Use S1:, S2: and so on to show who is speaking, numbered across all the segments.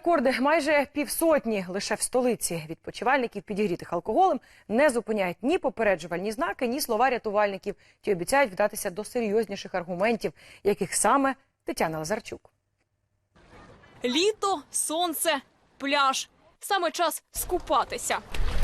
S1: рекорди. Майже півсотні лише в столиці відпочивальників, підігрітих алкоголем, не зупиняють ні попереджувальні знаки, ні слова рятувальників. Ті обіцяють вдатися до серйозніших аргументів, яких саме Тетяна Лазарчук.
S2: Літо, сонце, пляж. Саме час скупатися.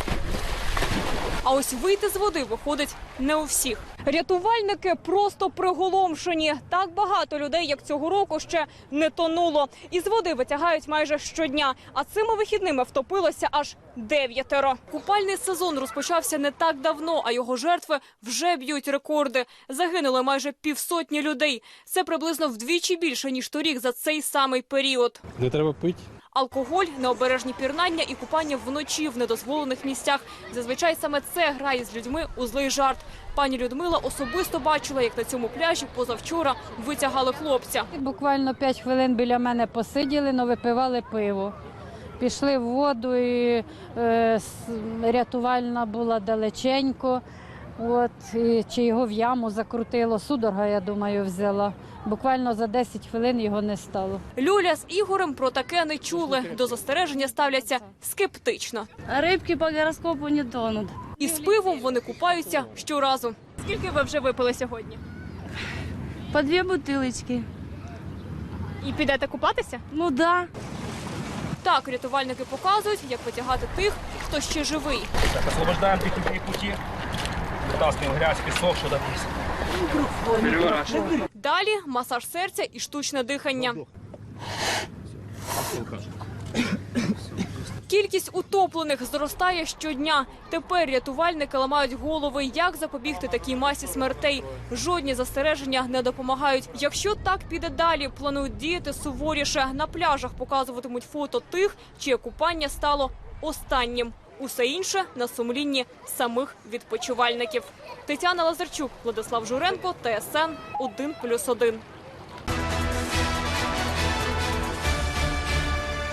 S2: А ось вийти з води виходить не у всіх. Рятувальники просто приголомшені. Так багато людей, як цього року, ще не тонуло. Із води витягають майже щодня. А цими вихідними втопилося аж 9. Купальний сезон розпочався не так давно, а його жертви вже б'ють рекорди. Загинули майже півсотні людей. Це приблизно вдвічі більше, ніж торік за цей самий період.
S3: Не треба пити.
S2: Алкоголь, необережні пірнання і купання вночі в недозволених місцях. Зазвичай саме це грає з людьми у злий жарт. Пані Людмила особисто бачила, як на цьому пляжі позавчора витягали хлопця.
S4: Буквально 5 хвилин біля мене посиділи, но випивали пиво. Пішли в воду, і рятувальна була далеченько. Чи його в яму закрутило, судорога, я думаю, взяла. Буквально за 10 хвилин його не стало.
S2: Люля з Ігорем про таке не чули. До застереження ставляться скептично.
S5: Рибки по гороскопу не тонуть.
S2: І з пивом вони купаються щоразу. Скільки ви вже випили сьогодні?
S5: По 2 бутилочки.
S2: І підете купатися?
S5: Ну да.
S2: Так, рятувальники показують, як витягати тих, хто ще живий.
S6: Так, освобождаем технические пути, вытаскиваем грязь, песок, что-то здесь. Переворачиваем.
S2: Далі масаж серця і штучне дихання. Кількість утоплених зростає щодня. Тепер рятувальники ламають голови, як запобігти такій масі смертей. Жодні застереження не допомагають. Якщо так піде далі, планують діяти суворіше. На пляжах показуватимуть фото тих, чиє купання стало останнім. Усе інше на сумлінні самих відпочивальників. Тетяна Лазарчук, Владислав Журенко, ТСН 1+1.